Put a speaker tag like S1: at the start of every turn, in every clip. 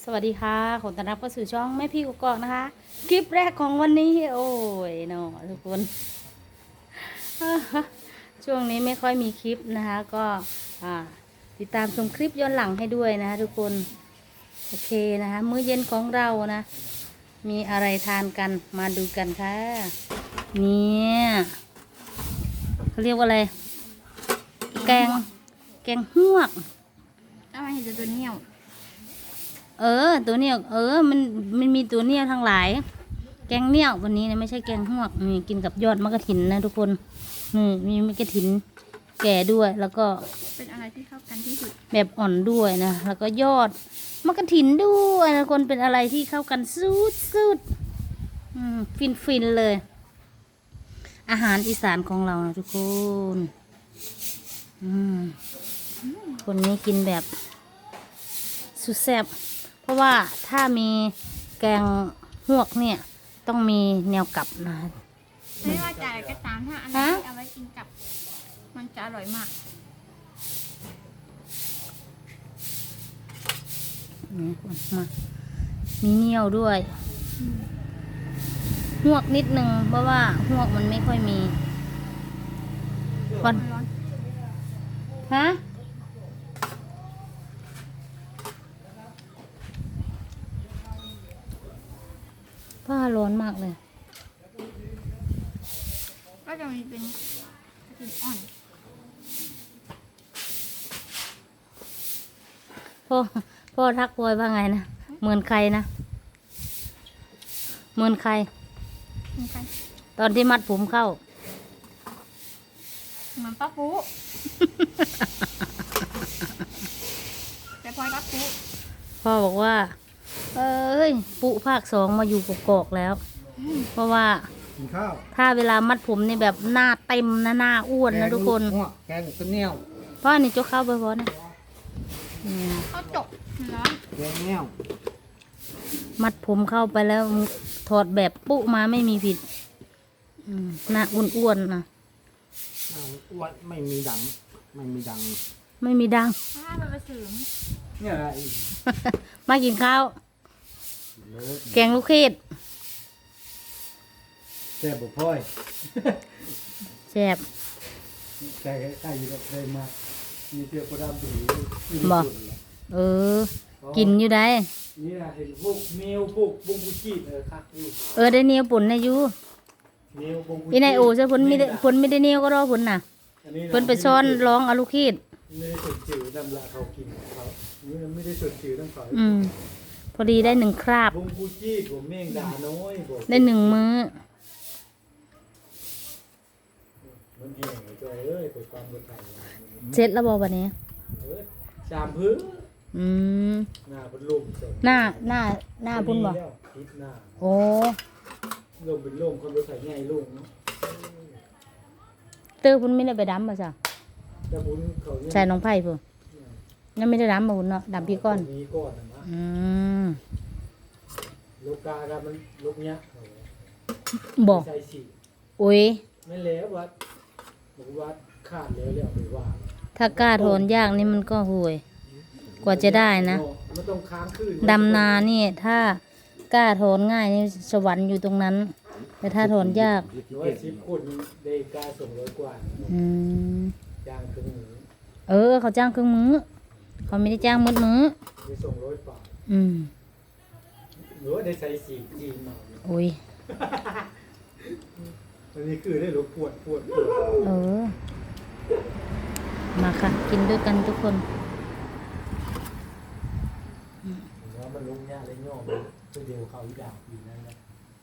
S1: สวัสดีค่ะขอต้อนรับเข้าสู่ช่องแม่พี่กกอกนะคะคลิปแรกของวันนี้โอ้ยเนาะทุกคน ช่วงนี้ไม่ค่อยมีคลิปนะคะก็ติดตามชมคลิปย้อนหลังให้ด้วยนะคะทุกคนโอเคนะคะมื้อเย็นของเรานะมีอะไรทานกันมาดูกันค่ะเนี่ยเขาเรียกว่าอะไรแกงฮวก
S2: เอามาเห็นแต่ตัวเนี้ย
S1: ตัวเนี้ยมันมีตัวเนี้ยทั้งหลาย แกงเนี้ยวันนี้นะไม่ใช่แกงหวกนี่กินกับยอดมะกะถินนะทุกคนนี่มีมะกะถินแก่ด้วยแล้วก็
S2: เป็นอะไรที่เข้ากันที่สุด
S1: แบบอ่อนด้วยนะแล้วก็ยอดมะกะถินด้วยนะคนเป็นอะไรที่เข้ากันสุดฟินเลย อาหารอีสานของเรานะทุกคนคนนี้กินแบบสุดแซ่บเพราะว่าถ้ามีแกงหวกเนี่ยต้องมีแนวกลับนะ
S2: ไม่ว่าจะอะไรก็ตามถ้าอันนี้เอาไว้กินกับมันจะอร่อยมาก
S1: นี่มามีเหนียวด้วยหวกนิดนึงเพราะว่าหวกมันไม่ค่อยมีวัน
S2: ร้อน
S1: ฮะผ้าร้อนมากเลย
S2: ก็จะมีเป็นกลิ่นอ่อน
S1: พ่อทักพลอยว่าไงนะเหมือนใครนะเหมือนใคร
S2: เหมือนกัน
S1: ตอนที่มัดผมเข้า
S2: เหมือนป้าปูแต่พลอยป้าปู
S1: พ่อบอกว่า เอ้ยปุภาคสองมาอยู่กกอกแล้ว เพราะว่า
S3: กินข้าว
S1: ถ้าเวลามัดผมนี่แบบหน้าเต็มนะหน้าอ้วนนะทุกคน
S3: แกงต้นเนี้ยว
S1: พ่อนี่จกเข้าไปพอนะเนี่ย
S2: ข้าวจกร้อน
S3: แกงเนี้ยว
S1: มัดผมเข้าไปแล้วถอดแบบปุ๊มาไม่มีผิดหน้าอ้วนๆนะ
S3: วัดไม่มีดัง ไม่มีดัง
S1: ไม่มีดัง
S2: ถ้ามันไปถึง
S3: เนี่ยอะไร
S1: มากินข้าว
S3: เลิศ
S1: แกงลูกเขยด
S3: แซ่บบ่พ่อย
S1: แซ่บ
S3: แต่ใกล้อยู่กับเคยมามีเตี้ยโคดามตี
S1: บ่ เออ กินอยู่ได้
S3: นี่นะเห็นพวกเมลพวกบงกุจิคักอยู่
S1: ได้เนียวปุ่นนะอยู่
S3: เมลบงกุจิ
S1: อีนายโอ้ใช่ผลไม่ได้ผลไม่ได้เนียวก็รอผลน่ะเพิ่นไปซ้อนร้องเอาลูกเขยด
S3: ไม่ได้สดจืดน้ำละเขากินของเขานี่ไม่ได้สดจืดน้ำเขา
S1: พอดีได้1 คราบบ
S3: งกุจิผมเม่งด่าน้อยบอก
S1: ได้1 มื้อ
S3: มันแห้งใจเอ้ยไปความบนไทย
S1: เสร็จแล้วบอกวันนี้
S3: ชามพื้น
S1: อืม
S3: หน้าเป็นลมส่ง
S1: หน้าพุ่นบ่
S3: ทิศหน้า
S1: โอ้
S3: ลมเป็นลมคนรถไถใหญ่ลงเนาะ
S1: เตอร์พุ่นไม่ได้ไปดำป่ะจ้ะ
S3: แต่บุญเขาเนี่ย
S1: ใส่น้องไผ่พุ่นยังไม่ได้ดำมาพุ่นเนาะดำพี่ก้อน
S3: มีก้อนนะ
S1: ม
S3: ลูกกากันมันลูกเนี้ย
S1: บอก
S3: ใส่สี
S1: โอ้ย
S3: ไม่แล้ววัดบอกวัดขาดแล้วแล้วไปว่า
S1: ถ้ากล้าถอนยากนี่มันก็ห่วย กว่าจะได้นะ
S3: มันต้องค้างคืน
S1: ดำนานี่ถ้ากล้าถอนง่ายนี่สวรรค์อยู่ตรงนั้น แต่ถ้าถอนยาก
S3: 110 คนได้กาส่ง100 กว่า
S1: อืม
S3: จ้างครึ่งหนึ่ง
S1: เขาจ้างเครื่องมือ เขาไม่ได้จ้างมืดมือ
S3: ได้ส่ง100 บาท
S1: อืม
S3: หรือว่าได้ใส่สีจีนมา
S1: โอ้ย
S3: อันนี้คือได้รถปวด
S1: เออ มาค่ะ กินด้วยกันทุกคน
S3: แล้วมันลงยาเลยย่อมันคือเดียวเขาอีดาวอยู่นั่นแหละ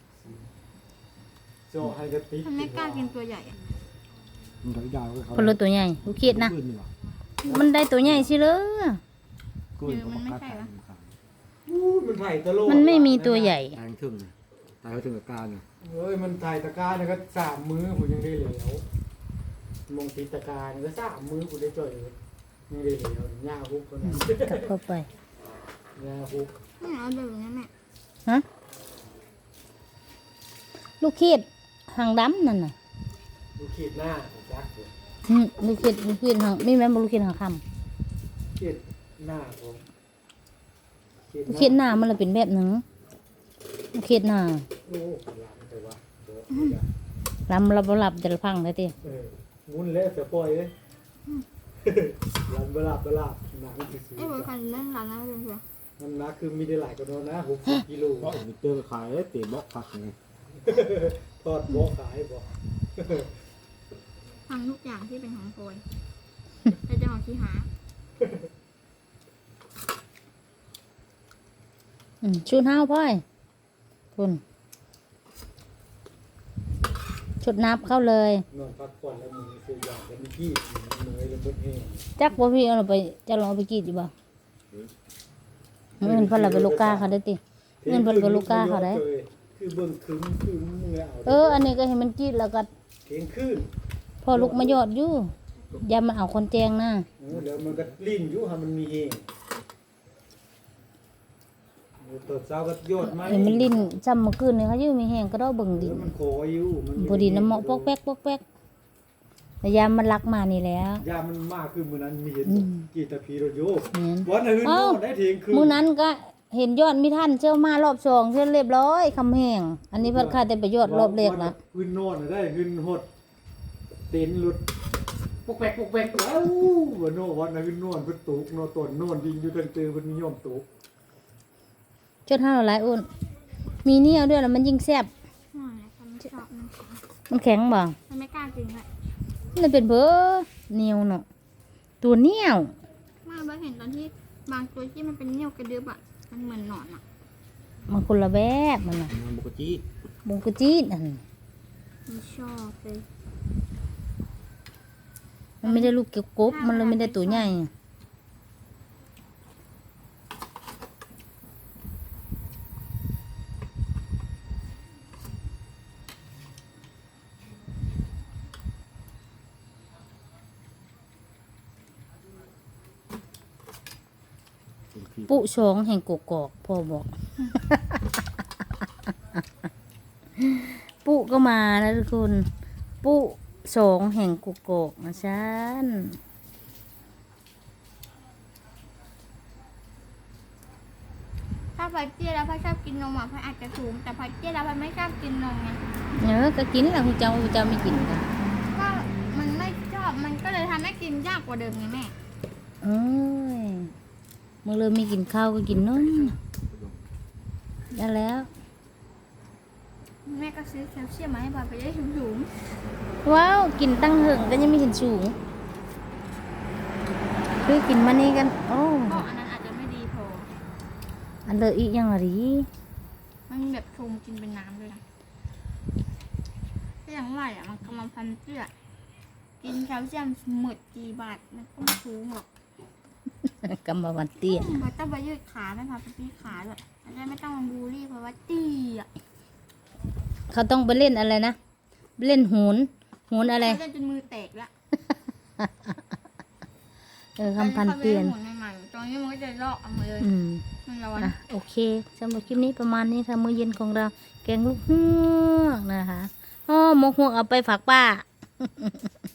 S3: โจให้กระติก
S2: ทำไมกล้ากินตัวใหญ่อะ
S3: มันเขาอีดาวเขา
S1: พลตัวใหญ่ลูกเขียดนะ มันได้ตัวใหญ่สิเลย
S2: มันไม่ใช่เหรอ
S3: มันไถ่ตะโล
S1: มันไม่มีตัวใหญ่
S3: ตายถึงตายถึงกับการเฮ้ยมันไถ่ตะการเนี่ยก็3 มื้อผมยังได้เหลวมองตีตะการเนี่ยก็3 มื้อผมได้จ่อยยังได้เหลวหญ้าฮุกคนนั้น
S1: กลับเข้าไป
S3: หญ้าฮุก
S2: ไม่เอาแบบนี้แม่
S1: ฮะ ลูกเขียดหางดำนั่นน่ะ
S3: ดูขีดหน้าจักเลย
S1: ลูกเขียดหางไม่แม่นบ่ลูกเขียดหางค
S3: ขีดหน้าผม
S1: ำเขียดหน้ามันเลยเป็นแบบหนึงเขียดหน้า
S3: โอ้หลังแต่ว่า
S1: ลำเราบ่หลับจะพังเลยติ
S3: มุนเละเสียปล่อยเลยหลังบลาบหนังสิ
S2: ไอ้บริการเล่นร้านนั้นเลยเชียว
S3: น้ำหนักคือมีได้หลายกว่านั้นนะ60กิโล
S4: เพราะมิเตอร์ขายเตะบล็อกพักไง
S3: ทอดบ่ขายบ่
S2: ทำทุกอย่างที่เป็นของโปรยแต่จะของที่หา
S1: ชุดห้าวพ่อยคุณชุดนับเข้าเลย
S3: นอนพักผ่อนแล้วมึงซื้อยากันกี้เหนื่อยแล้วเบิดแห้ง
S1: จักบ่พี่เอาเราไปจะลองเอาไปกรีดอยู่บ่เงินเพิ่นเราไปลูกกาเขาได้ติเงินเพิ่นไปลูกกาเขาได้
S3: คือเบิ่งคึ้มมึงเอา
S1: อันนี้ก็ให้มันกรีดแล้วก็
S3: เก่งขึ้น
S1: พอลูกมายอดอยู่อย่ามันเอาคนแจงนะ
S3: เดี๋ยวมันก็ลิ้นอยู่ให้มันมีแห้งตอนเช้าก็ยอดไหม
S1: เห็นมันลิ้นซ้ำเมื่อคืนนี่เขาอยู่มีแห้งก็ดอกเบิ่งดิ
S3: มันโคอยู่มัน
S1: พอดีน้ำเหมาะปอกแป๊กปอกแป๊กแต่ยามมันรักมานี่แล้ว
S3: ยามันมากคือมื้อนั้นมีเห็นกี่ตะพีโรโย
S1: แม่น
S3: วันอื่นโน่นได้เถียงคืน
S1: มื้อนั้นก็เห็นยอดมีท่านเชื่อมารอบสองเชื่อเรียบร้อยคำแห้งอันนี้เพิ่นค่าแต่ไปยอดรอบแรกละ
S3: ขึ้นโน่นได้ขึ้นหดเต็นหลุดปกแปกแล้ววันโน่วันนั้นขึ้นโน่นเพิ่นตุกโน่ต้นโน่นดินอยู่ตั้งตื่นเพิ่นนิยมตุก
S1: จดห้าหลายอุ่นมีเนี่ยวด้วยแล้วมันยิ่งแซ่บ
S2: นั่นแหละฉันไม่ชอบมัน
S1: มันแข็งบ่
S2: ฉันไม่กล้ากินเลย
S1: มันเป็นเบ้อเหนียวเนาะตัวเหนียว
S2: ไม่เบิร์เห็นตอนที่บางตัวที่มันเป็นเนียวกระดึบอ่ะมันเหมือนหนอนอ่ะ
S1: มันคนละแบบมันน่ะ
S4: มันบุกจี
S1: บุงกะจีดอัน
S2: ไม่ชอบเลย
S1: มันไม่ได้ลูกเกี่ยวกบมันเลยไม่ได้ตัวใหญ่ปุชองแห่งกกอกพ่อบอก ปุก็มานะทุกคนปุสองแห่งกกอกนะฉัน
S2: ถ้าพัดเตี้ยแล้วพัดชอบกินนมอ่ะพัดอาจจะสูงแต่พัดเตี้ยแล้วพัดไม่ชอบกินนมไง
S1: ก็กินแล้วคุณเจ้าไม่กินกัน
S2: ก็มันไม่ชอบมันก็เลยทำให้กินยากกว่าเดิมไงแม่
S1: เอ้ยเมื่อเริ่มมีกินข้าวก็กินนมได้แล้ว
S2: แม่ก็ซื้อแคลเซียมมาให้บอยไปได้สูง
S1: ว้าวกินตั้งเหิงก็ยังไม่เห็นสูงคือกินมานี่กันโอ้
S2: ๆก็อันนั้นอาจจะไม่ดีพอ
S1: อันเลอะอีกยังอะไร
S2: มันมีแบบชงกินเป็นน้ำด้วยนะก็อย่างไรอ่ะมันกำลังพันเสื้อกินแคลเซียมหมดกี่บาทมันก็ไม่สูงหรอก
S1: กำมะวันเตี้ย
S2: มันต้องไปยืดขาไม่พาไปยืดขาด้วยมันจะไม่ต้องมาบูลลี่เพราะว่าตี้อ่ะ
S1: เขาต้องไปเล่นอะไรนะไปเล่นโหนอะไร
S2: เขาจะจนมือแตกแล้ว
S1: คำพันเปลี่ยน
S2: ตอนนี้เขาไปเล่นหมุนใหม่ๆตอนนี้มันก็จะลอกเอามาเลย มันร้อน
S1: โอเคสำหรับคลิปนี้ประมาณนี้ค่ะมื้อเย็นของเราแกงลูกเฮือกนะคะหมกฮวกเอาไปฝากป้า